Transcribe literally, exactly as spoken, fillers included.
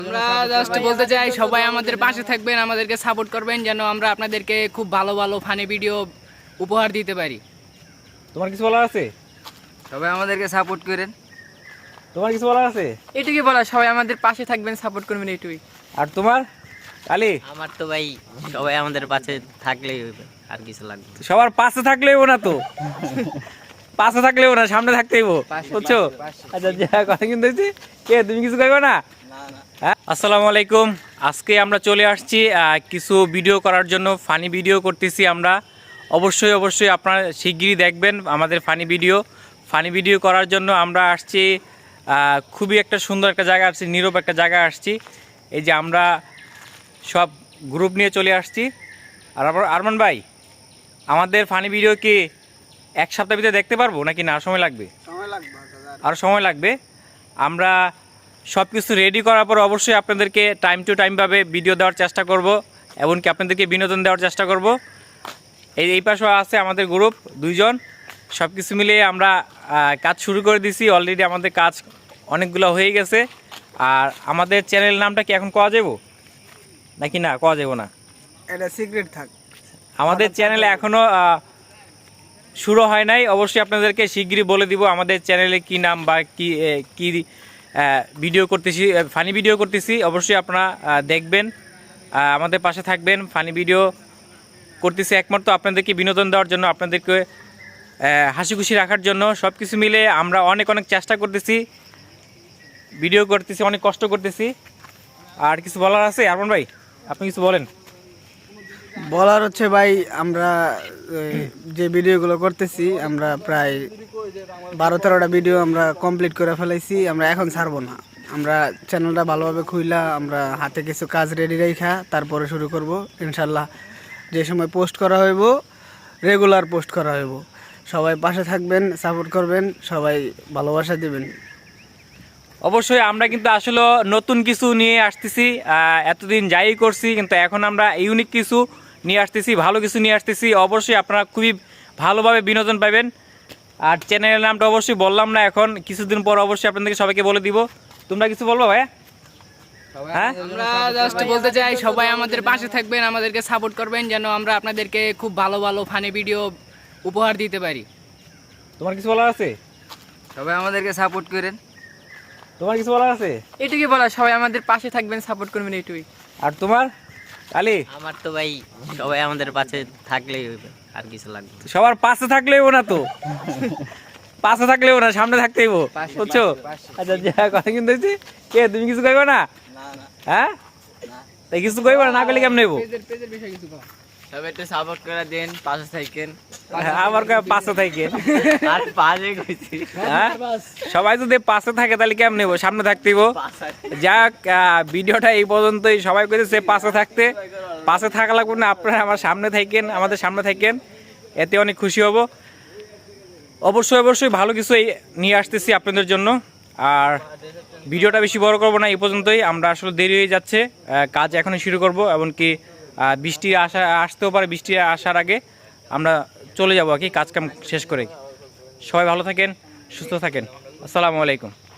আমরা জাস্ট বলতে চাই সবাই আমাদের পাশে থাকবেন, আমাদেরকে সাপোর্ট করবেন যেন আমরা আপনাদেরকে খুব ভালো ভালো ফানি ভিডিও উপহার দিতে পারি। তোমার কিছু বলার আছে? সবাই আমাদেরকে সাপোর্ট করেন। তোমার কিছু বলার আছে? এটুকুই বলা, সবাই আমাদের পাশে থাকবেন, সাপোর্ট করবেন, এটুকুই। আর তোমার আলী? আমার তো ভাই সবাই আমাদের পাশে থাকলেই হইবে, আর কিছু লাগবে না। সবার পাশে থাকলেও না তো পাশে থাকলেও না, সামনে থাকতেই বুঝছো? আচ্ছা যা কথা কিন্তু হয়েছে, কে তুমি কিছু কইবে না? হ্যাঁ, আসসালামু আলাইকুম। আজকে আমরা চলে আসছি কিছু ভিডিও করার জন্য, ফানি ভিডিও করতেছি আমরা। অবশ্যই অবশ্যই আপনারা শিগগিরই দেখবেন আমাদের ফানি ভিডিও। ফানি ভিডিও করার জন্য আমরা আসছি খুবই একটা সুন্দর একটা জায়গা আসছি, নীরব একটা জায়গায় আসছি। এই যে আমরা সব গ্রুপ নিয়ে চলে আসছি। আর আরমান ভাই, আমাদের ফানি ভিডিও কি এক সপ্তাহ ভিতরে দেখতে পারবো নাকি না সময় লাগবে? আরও সময় লাগবে। আমরা সব কিছু রেডি করার পর অবশ্যই আপনাদেরকে টাইম টু টাইমভাবে ভিডিও দেওয়ার চেষ্টা করব, এমনকি আপনাদেরকে বিনোদন দেওয়ার চেষ্টা করব। এই এই পাশেও আছে আমাদের গ্রুপ দুইজন। সব কিছু মিলিয়ে আমরা কাজ শুরু করে দিছি অলরেডি। আমাদের কাজ অনেকগুলো হয়ে গেছে। আর আমাদের চ্যানেল নামটা কি এখন কোয়া যাবো নাকি না কোয়া যাবো না? এটা সিক্রেট থাক। আমাদের চ্যানেলে এখনও শুরু হয় নাই, অবশ্যই আপনাদেরকে শিগগিরই বলে দিব আমাদের চ্যানেলে কি নাম বা কি কি ভিডিও করতেছি, ফানি ভিডিও করতেছি। অবশ্যই আপনারা দেখবেন, আমাদের পাশে থাকবেন। ফানি ভিডিও করতেছি একমাত্র আপনাদেরকে বিনোদন দেওয়ার জন্য, আপনাদেরকে হাসি খুশি রাখার জন্য। সব কিছু মিলে আমরা অনেক অনেক চেষ্টা করতেছি, ভিডিও করতেছি, অনেক কষ্ট করতেছি। আর কিছু বলার আছে আরমান ভাই? আপনি কিছু বলেন। বলার হচ্ছে ভাই, আমরা যে ভিডিওগুলো করতেছি আমরা প্রায় বারো তেরোটা ভিডিও আমরা কমপ্লিট করে ফেলাইছি। আমরা এখন ছাড়বো না, আমরা চ্যানেলটা ভালোভাবে খুইলা আমরা হাতে কিছু কাজ রেডি রেখা তারপরে শুরু করব ইনশাল্লাহ। যে সময় পোস্ট করা হইব রেগুলার পোস্ট করা হইব। সবাই পাশে থাকবেন, সাপোর্ট করবেন, সবাই ভালোবাসা দিবেন। অবশ্যই আমরা কিন্তু আসলে নতুন কিছু নিয়ে আসতেছি, এতদিন যাই করছি কিন্তু এখন আমরা ইউনিক কিছু নিয়ে আসতেছি, ভালো কিছু নিয়ে আসতেছি। অবশ্যই আপনারা খুবই ভালোভাবে বিনোদন পাবেন। আর চ্যানেলের নামটা অবশ্যই বললাম না, এখন কিছুদিন পর অবশ্যই আপনাদেরকে সবাইকে বলে দিব। তোমরা কিছু বলবো ভাইয়া? হ্যাঁ, আমরা জাস্ট বলতে চাই সবাই আমাদের পাশে থাকবেন, আমাদেরকে সাপোর্ট করবেন যেন আমরা আপনাদেরকে খুব ভালো ভালো ফানি ভিডিও উপহার দিতে পারি। তোমার কিছু বলার আছে? সবাই আমাদেরকে সাপোর্ট করেন। তোমার কিছু বলার আছে? এটুকুই বলা, সবাই আমাদের পাশে থাকবেন, সাপোর্ট করবেন, এটুকুই। আর তোমার আলী? আমার তো ভাই সবাই আমাদের পাশে থাকলেই হইবে, আর কিছু লাগবে না। সবার পাশে থাকলেও না তো পাশে থাকলেও না, সামনে থাকতেই বুঝছো? আচ্ছা যা কথা কিন্তু হয়েছে, কে তুমি কিছু কইবে না? হ্যাঁ, তাই কিছু কইবে না, না করলে কেমন নেবো? সবাই একটু সাপোর্ট করে দেন, পাশে থাকেন। আমার পাশে থাকেন, আর পাশে কইছি। হ্যাঁ, সবাই যদি পাশে থাকে তাহলে কেমন নেবো? সামনে থাকতেইব। যাক, ভিডিওটা এই পর্যন্তই। সবাই কইতেছে পাশে থাকতে, পাশে থাকা লাগবে না, আপনারা আমার সামনে থাকেন, আমাদের সামনে থাকেন, এতে অনেক খুশি হব। অবশ্যই অবশ্যই ভালো কিছু নিয়ে আসতেছি আপনাদের জন্য। আর ভিডিওটা বেশি বড় করব না, এই পর্যন্তই। আমরা আসলে দেরি হয়ে যাচ্ছে, কাজ এখনই শুরু করব, এমনকি বৃষ্টি আসা আসতেও পারে। বৃষ্টি আসার আগে আমরা চলে যাবো আর কি, কাজ কাম শেষ করে। সবাই ভালো থাকেন, সুস্থ থাকেন। আসসালামু আলাইকুম।